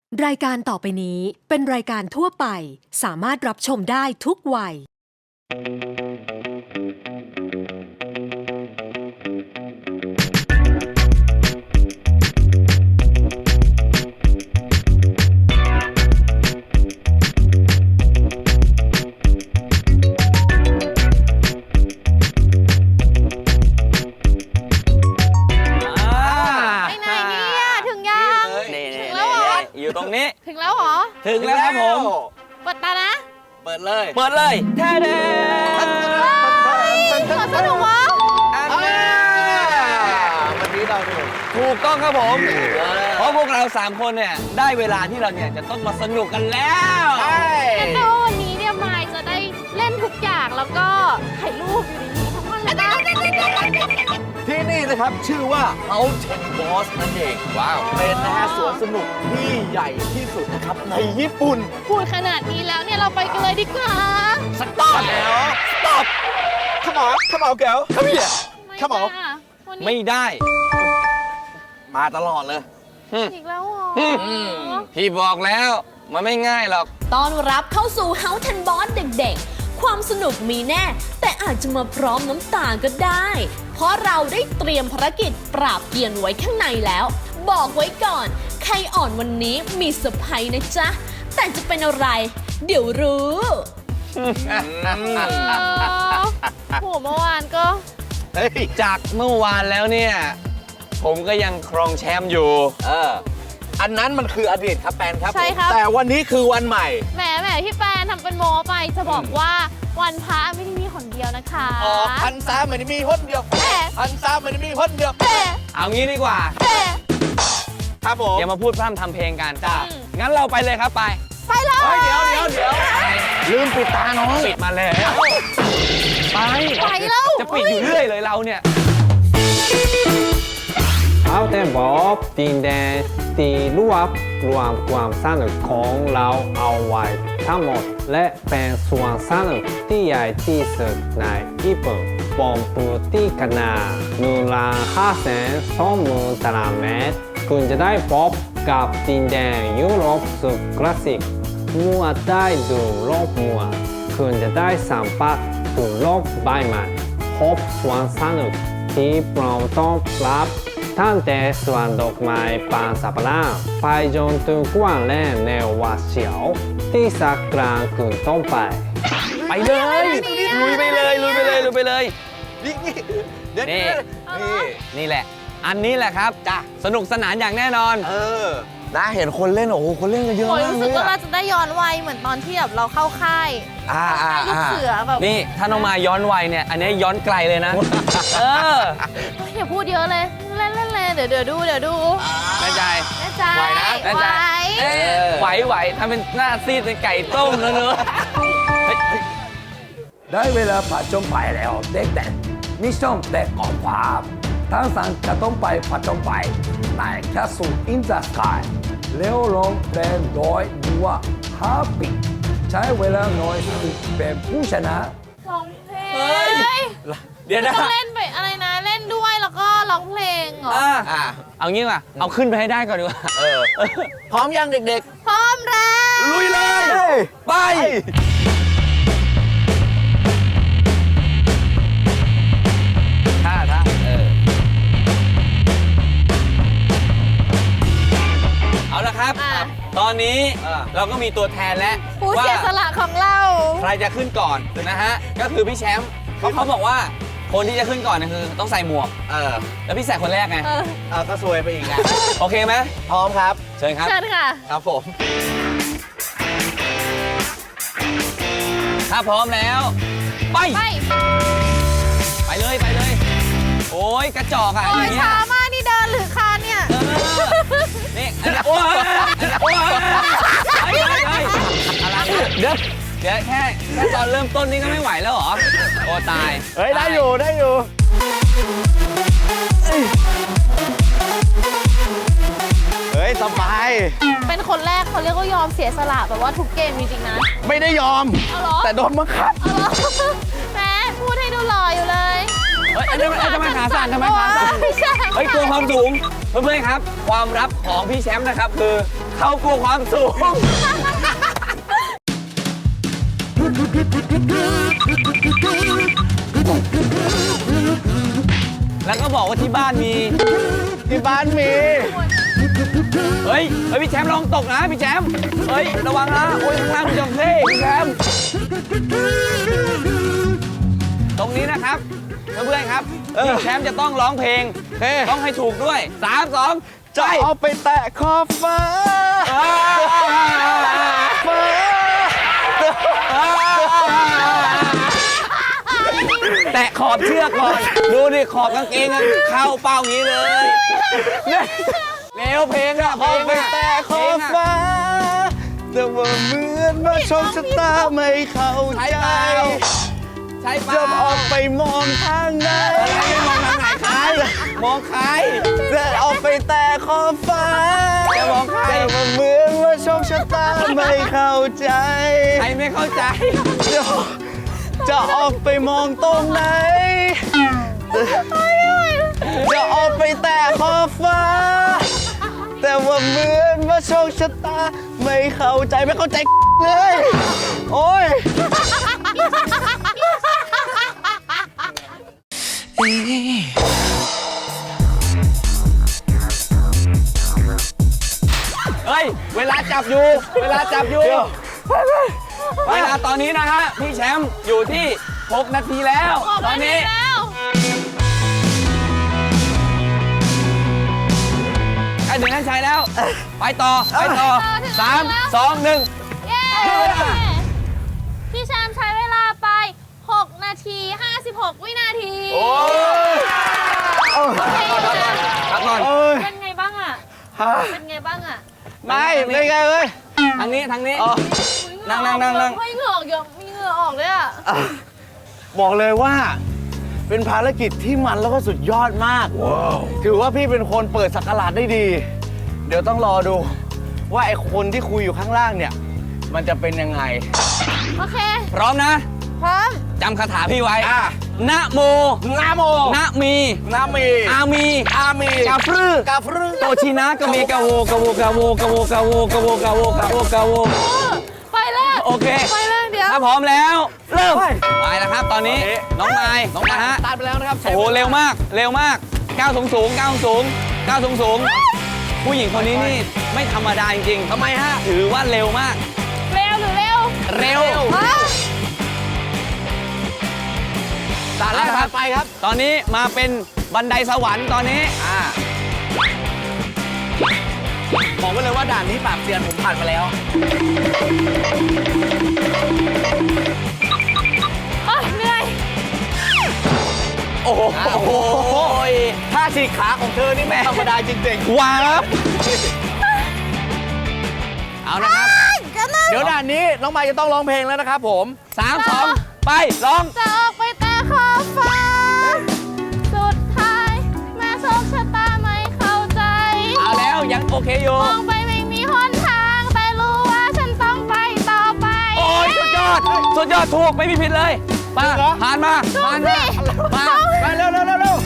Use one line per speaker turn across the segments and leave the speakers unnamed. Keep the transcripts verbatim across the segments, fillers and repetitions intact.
รายการต่อไปนี้เป็นรายการทั่วไปสามารถรับชมได้ทุกวัย
อยู่ตรงนี้
ถึงแล้วเหรอ
ถึงแล้วครับผม
เปิดตานะ
เปิดเลยเปิดเลยแท้เด้
สวนสนุกวะ
อันนี้วันนี้เราถูกต้องครับผมเพราะพวกเราสามคนเนี่ยได้เวลาที่เราเนี่ยจะต้องมาสนุกกันแล้ว
ใช่แต่วันนี้เนี่ยมายจะได้เล่นทุกอย่างแล้วก็ถ่ายรูปอยู่ในนี้ทั้งวันเลยนะ
ที่นี่นะครับชื่อว่า Mountain Boss นั่นเองว้าวเป็นนะฮะสวนสนุกที่ใหญ่ที่สุดนะครับในญี่ปุ่น
พูดขนาดนี้แล้วเนี่ยเราไปกันเลยดีกว่า
สต็อปแล้วสต็อปขมอขมอแก้วขมี่ขมอ
ไม่ได้
มาตลอดเลย
อีกแล้วเหรอ
พี่บอกแล้วมันไม่ง่ายหรอก
ต้อนรับเข้าสู่ Mountain Boss เด็กๆความสนุกมีแน่แต่อาจจะมาพร้อมน้ำตาก็ได้เพราะเราได้เตรียมภารกิจปราบเกรียนไว้ข้างในแล้วบอกไว้ก่อนใครอ่อนวันนี้มีเซอร์ไพรส์นะจ๊ะแต่จะเป็นอะไรเดี๋ยวรู้
โหเมื่อวานก็
จากเมื่อวานแล้วเนี่ยผมก็ยังครองแชมป์อยู่
เอออันนั้นมันคืออดีตครับแปนครับ
ใช่ครับ
แต่วันนี้คือวันใหม่
แหมแหมพี่แปนทำเป็นโมไปจะบอกว่าวันพระไม่ได้มีคนเดียวนะคะ
อ๋อพันซ้าไม่ได้มีคนเดียวพันซ้าไม่ได้มีคนเดียว
เอางี้ดีกว่า
ครับผม
อย่ามาพูดพร่ำทำเพลงกันจ้างั้นเราไปเลยครับไป
ไปเลย
เดี๋ยวเดี๋ยวเดี๋ยวลืมปิดตาน้อง
ปิดมาแล้วไป
ไปแล้ว
จะปิดอยู่เรื่อยเลยเราเนี่ยเอาแต่บอกดินแดนตีรวบรวมความสนุกของเราเอาไว้ทั้งหมดและเป็นส่วนสนุกที่ใหญ่ที่สุดในญี่ปุ่นบนพื้นที่ขนาดหนึ่งล้านห้าแสนสองหมื่นตารางเมตรคุณจะได้พบกับดินแดนยุโรปสุดคลาสสิกเมื่อได้ดูโลกเมื่อคุณจะได้สัมผัสถึงโลกใบใหม่พบส่วนสนุกที่พร้อมต้อนรับตั้งแต่สวนดอกไม้ปางสัปดาห์ไปจนถึงกว้างและแนววัดเฉียวที่สักกลางคืนต้นไปไปเลยลุยไปเลยลุยไปเลยลุยไปเลย
นี่นี่
นี่นี่แหละอันนี้แหละครับจ้ะสนุกสนานอย่างแน่นอน
เออนะเห็นคนเล่นโอ้โหคนเล่นกันเยอะมากเลย
รู้สึกว่าเราจะได้ย้อนวัยเหมือนตอนที่แบบเราเข้าค่าย
อ่าอ่า
ลูกเสือแบบ
นี่ถ้าน้องมาย้อนวัยเนี่ยอันนี้ย้อนไกลเลยนะเออ
อย่าพูดเยอะเลยเล่นเล่นเลยเดี๋ยวเดี๋ยวดูเดี๋ยวดู
แน่ใจ
แน่ใจ
ไหวนะ
แน่ใจ
ไหวไหวทำเป็นหน้าซีดเป็นไก่ต้มแล้วเนอะ
ได้เวลาผจญภัยแล้วเด็กๆมิชชั่นเด็กกองความทั้งสามจะต้องไปผจญภัยในแคสซูอินเดอะสกายเร็วลงเป็นโดยดูว่าฮาปปี้ใช้เวลาน้อยสุดเป็นผู้ชนะ
ร้องเพลง
เดี๋ยวนะ
ต้องเล่นไปอะไรนะเล่นด้วยแล้วก็ร้องเพลงเหรอ
อ่าเอางี้ว่ะเอาขึ้นไปให้ได้ก่อนดีกว่า
เออพร้อมยังเด็ก
ๆพร้อมแล้ว
ลุยเลย
ไปท่าท่าเออเอาละครับตอนนี้เราก็มีตัวแทนแล้ว
ผู้เสียสละของเรา
ใครจะขึ้นก่อนนะฮะก็คือพี่แชมป์เขาเขาบอกว่าคนที่จะขึ้นก่อนเนี่ยคือต้องใส่หมวกเออแล้วพี่ใส่คนแรกไง
เอ
อก็ซวยไปอีกไง
โอเคไหม
พร้อมครับ
เชิญครับ
เชิญค่ะ
ครับผม
ถ้าพร้อมแล้วไป
ไป
ไปเลยไปเลยโอ้ยกระจอกอ่ะ
โอ้ยช้ามากนี่เดินหรือคานเนี่ย
นี่โอ้ยโอ้ยอะไรเดี๋ยวเดี๋ยวแค่แค่ตอนเริ่มต้นนี่ก็ไม่ไหวแล้วเหรอโอ้ตาย
เฮ้ยได้อยู่ได้อยู่เฮ้ยสบาย
เป็นคนแรกเขาเรียกว่ายอมเสียสละแบบว่าทุกเกมจริงๆนะ
ไม่ได้ยอมแต่โดนบังคับ
แม่พูดให้ดูหล่ออยู่เลย
เฮ้ยทำไมขาสั่นทำไมขาสั่นเฮ้ยตัวความสูงเพื่อนๆครับความลับของพี่แชมป์นะครับคือเขากลัวความสูง แล้วก็บอกว่าที่บ้านมี
ที่บ้านมี
เฮ้ย เฮ้ย พี่แชมป์ลองตกนะพี่แชมป์เฮ้ย ระวังนะ โอ้ยข้างล่างมีจระเข้พี่แชมป์ตรงนี้นะครับ เพื่อนๆครับ พี่แชมป์จะต้องร้องเพลง ต้องให้ถูกด้วยสาม สอง
จะเอาไปแตะขอบฟ้าฟ้า
แตะขอบเชือกก่อน ดูดิขอบกางเกงอะเข้าเป้าอย่างนี้เลยเร็วเพลงอะเพล
เอา
ง
ไป
อะ
แตะขอบฟ้า แต่ว่าเหมือนว่าโชคชะตาไม่เข้า
ใช่
ใจ
เปล่าใช่เป
จะ
ล่า
ออกไปมองทางไหน
อะไรไม่มองทางไหนใครมองใคร
จะออกไปแตะขอบฟ้า
จะมองใคร
แต่ว่าเหมือนว่าโชคชะตาไม่เข้าใจ
ใครไม่เข้าใจ
จะจะออกไปมองตรงไหน จะออกไปแตะขอบฟ้า แต่ว่าเหมือนว่าโชคชะตาไม่เข้าใจไม่เข้าใจเลย โอ้ย
เฮ้ย เวลาจับอยู่ เวลาจับอยู่ เวลาตอนนี้นะฮะ พี่แชมป์อยู่ที่ หก นาทีแล้ว ตอนนี้
แล้ว
ใกล้ถึงนั้นชัยแล้ว ไปต่อ ไปต่อสาม สอง หนึ่ง
เย้พี่แชมป์ใช้เวลาไป หก นาที ห้าสิบหก วินาที
โอ้ย
โอเคอยู่นะ
พักก่อน
เป็นไงบ้างอ่ะ เป็นไงบ้างอ่ะ
ไม่ไม่ไงเว้ย
ทางนี้ ทางนี้
อุ๊ย
นั่งนั่งนั่งนั่ง
เฮ้ยเหงื่อออกเยอะมีเหงื่อออกเลยอ่ะ
บอกเลยว่า เป็นภารกิจที่มันแล้วก็สุดยอดมาก ถือว่าพี่เป็นคนเปิดสักราชได้ดี เดี๋ยวต้องรอดู ว่าไอ้คนที่คุยอยู่ข้างล่างเนี่ย มันจะเป็นยังไง
โอเค
พร้อมนะ
พร้อม
จำคาถาพี่ไว้
อ่ะ
นะโม
นาโม
นะมี
นามี
อามี
อามี
กาฟรือก
าฟรึ
โตชินะกะเมกะโวกะโวกะโวกะโวกะโวกะโวกะโวกะโวกะโว
ไปแล้ว
โอเค
ไปแล้วเดี๋ยว
ถ้าพร้อมแล้ว เริ่ม ไปแล้วครับ ตอนนี้ น้องไม้น้องนะฮะ
ตัดไปแล้วนะครับ
โอ้โห เร็วมาก เร็วมาก ก้าวสูงสูงก้าวสูงก้าวสูงสูงผู้หญิงคนนี้นี่ไม่ธรรมดาจริงๆทำไมฮะ ถือว่าเร็วมาก
เร็วหรือเร็ว
เร็ว
ฮะ
ตัดแล้วครับไปครับ ตอนนี้มาเป็นบันไดสวรรค์ตอนนี้
อ่าบอกไว้เลยว่าด่านนี้ปราบเซียนผมผ่านมาแล้ว
โอ๊ยเหนื่อย
โอ้โห
โอ้โหท่าฉีกขาของเธอนี่ไม่ธรรมดาจริง
ว้าวเอานะครับ
ๆ เดี๋ยวด่านนี้น้องมายจะต้องร้องเพลงแล้วนะครับผม
สามสองไปร้อง
จะออกไปแต่ขอบฟ้า สุดท้าย แม่โชคชะตาไม่เข้าใจ
เอาแล้วยังโอเคอยู่
มองไปไม่มีหนทาง แต่รู้ว่าฉันต้องไปต่อไป
โอ้ยสุดยอด สุดยอดถูกไม่มีผิดเลยมาผ่านมาผ่านมามา
ไปเร็วเร็วเร็วเร็ว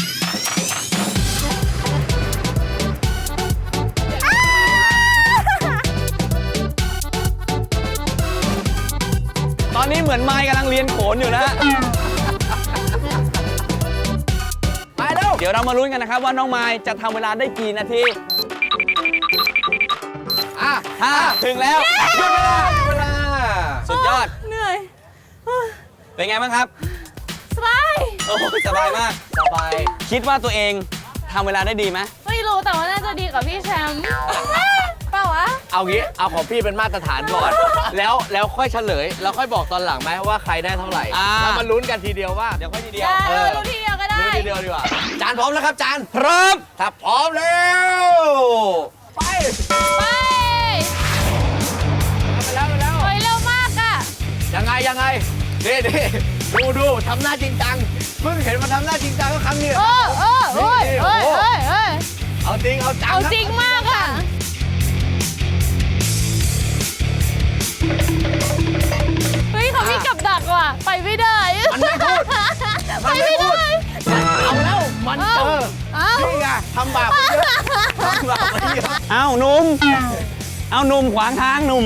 ตอนนี้เหมือนไม้กำลังเรียนโขนอยู่นะฮะ
ไปเร็ว
เดี๋ยวเรามาลุ้นกันนะครับว่าน้องไม้จะทำเวลาได้กี่นาที
อ่ะ
ห้าถึงแล้วหยุดเวลา
เวลา
สุดยอด
เหนื่อย
เป็นไงบ้างครับ
สบาย
โอ้ยสบายมาก
สบาย
คิดว่าตัวเองทำเวลาได้ดีไหม
ไม่รู้แต่ว่าน่าจะดีกว่าพี่แชมป์เปล่าวะ
เอางี้ เอาของพี่เป็นมาตรฐานก่อน แล้วแล้วค่อยเฉลย แล้วค่อยบอกตอนหลังไหมว่าใครได้เท่าไหร่
อ่า
แล้วมาลุ้นกันทีเดียวว่า
เดี๋ยวค่อยทีเดียว
ได้
เออ
รู้ทีเดียวก็ได้
ลุ้นทีเดียวดีกว่า จานพร้อมแล้วครับจาน
พร้อม
ถ้าพร้อมแล้ว ไป
ไป
ไปแล้วไปแล้ว
ไปเร็วมากอ่ะ
ยังไงยังไงนี่นี่ดูดูทำหน้าจริงจัง เพิ่งเห็นมันทำหน้าจริงจังก็ครั้งนี้
เออเออเอ้ย
นี่
เอ้ย
โอ้โห
เอ้ยเอ้ย
เอาจริงเอาจัง
เอา
ครับ
จริงมากอ่ะ เฮ้ยเขามีกับดักว่ะ ไปไม่ได้
มันไม่พูด
ไปไม่ได้
เอาแล้ว มันเจอ
เอ้า
นี่ไงทำบาปไปเยอะทำบาปไปเยอะ
อ้าวหนุ่มเอาหนุ่มขวางทางหนุ่ม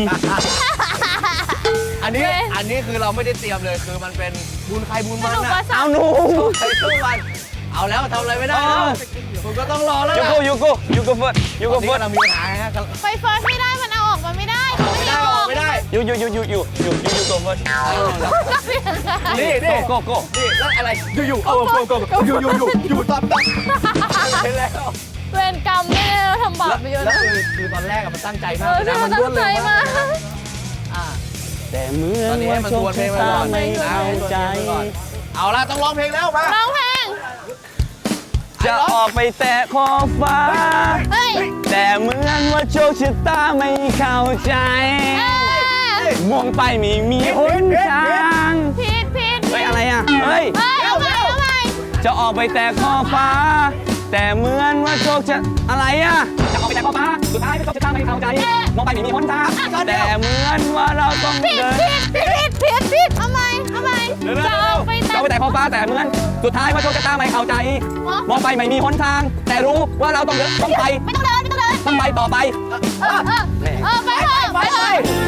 อันนี้
โอเค
อันนี้คือเราไม่ได้เตรียมเลยคือมันเป็นบุญใครบุญ
ส
มัน
นุก
นะ
ว่าสา
เอา
ว
หนุ่ม
ใครสู้มันเอาแล้วทำอะไรไม่ได้แล้ว
เออ
คุณก็ต้องรอแล้ว
ยู
ล่ะ
โกยูโกยูโกเฟิร์สยู
ต
โก
อนนี้
เฟิร์ส
กำลังมีปัญหาฮะกำลัง
ไปเฟิร์สไม่ได้มันเอาออกมาไม่ได้
ออกไม่ได้ออกไม่ได้
ยูยูยูยูยูยูยูยูโกเฟิร์ส
ก็เปลี่ยนค่ะ
นี่นี่
โกโกโก
นี่แล้วอะไรอยู่อยู่ๆเอาโกโกโกอยู่อยู่อยู่อยู่ตอบตอบเห็นแล้ว
เวรกรรมไม่ได้เราทำบาปไปเยอะ
แล้ว
นะ
คือคือตอนแรกอะมันตั้งใจ
เอ
มาก
อ
เลย
ใช่
นะ
มันตั้
รว
ง
ด
ใจ
เร็ว
มาม
าก กอ่า
แต่เมื่อ
ตอนนี้ให้มันทวนเพลงไปก่อน
ไม่เข้าใจ
เอาละต้องร้องเพลงแล้วมา
ร้องเพลง
จะออกไปแตะขอบฟ้า
เฮ้ย
แต่เหมือนว่าโชคชะตาไม่เข้าใจ
เอ้ย
มองไปไม่มีหนทาง
ผิดผิด
เฮ้ยอะไรอ่ะ เฮ้ย
เฮ้ยเอาใหม่เอาใหม่
จะออกไปแตะขอบฟ้า แต่เหมือนว่าโชคจะอะไรอ่ะ จะออกไปแตะขอบฟ้า สุดท้ายก็โชคชะตาไม่เข้าใจ มองไปไม่มีหนทาง แต่เหมือนว่าเราต้อง
ผิด
เดิน
ผิดผิดผิดผิดเอาใหม่เอาใหม่
เร็วๆ
จะออกไป
จะ
แต่
ออกไปแตะขอบฟ้าแต่เหมือน สุดท้ายว่าโชคชะตาไม่เข้าใจ มองไปไม่มีหนทาง แต่รู้ว่าเราต้องเดินต้องไป
ไม่ต้องเดินไม่ต้องเดิน
ต้องไปต่อไป
เออเออเออไปเถอะไปเถอะ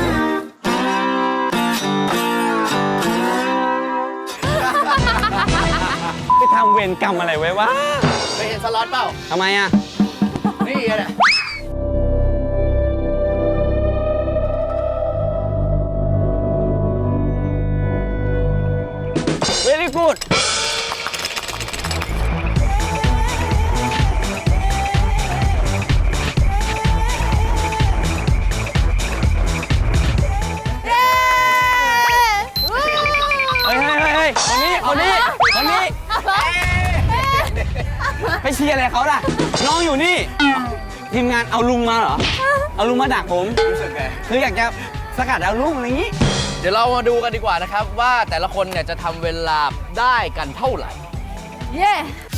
ไปทำเวรกรรมอะไรไว้วะ
ไปเห็นสล็อตเปล่า
ทำไมอ่ะ
นี่แหละ
very good
เย้
เฮ้ยเฮ้ยเฮ้ยเฮ้ยคนนี้ คนนี้ คนนี้ ไปเชียร์อะไรเขาล่ะ น้องอยู่นี่ ทีมงานเอาลุงมาเหรอ เอาลุงมาดักผม
รู้สึกไง
คืออยากจะสกัดเอาลุงอะไรอย่างนี้
เดี๋ยวเรามาดูกันดีกว่านะครับ ว่าแต่ละคนเนี่ยจะทำเวลาได้กันเท่าไหร่
เย้